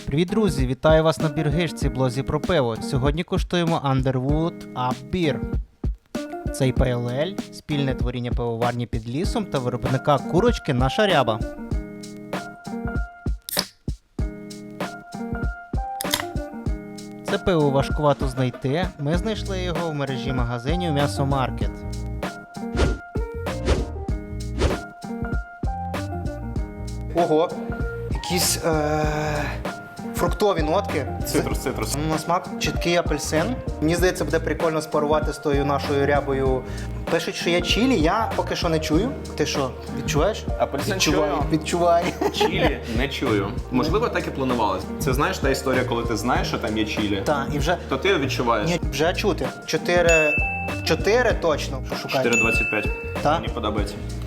Привіт, друзі! Вітаю вас на біргишці, блозі про пиво. Сьогодні куштуємо Underwood Up Beer. Цей пейл-ель – спільне творіння пивоварні під лісом та виробника курочки Наша Ряба. Це пиво важкувато знайти. Ми знайшли його в мережі магазинів М'ясомаркет. Ого! Якісь фруктові нотки. Цитрус. На смак чіткий апельсин. Мені здається, буде прикольно спарувати з тою нашою рябою. Пишуть, що є чилі, я поки що не чую. Ти що, відчуваєш? Апельсин чую. Відчувай. Чилі не чую. Можливо, так і планувалось. Це знаєш та історія, коли ти знаєш, що там є чилі, Так, і вже... то ти відчуваєш. Ні, вже чути. 4 точно. Що шукаєш? 4,25. Так? Мені подобається.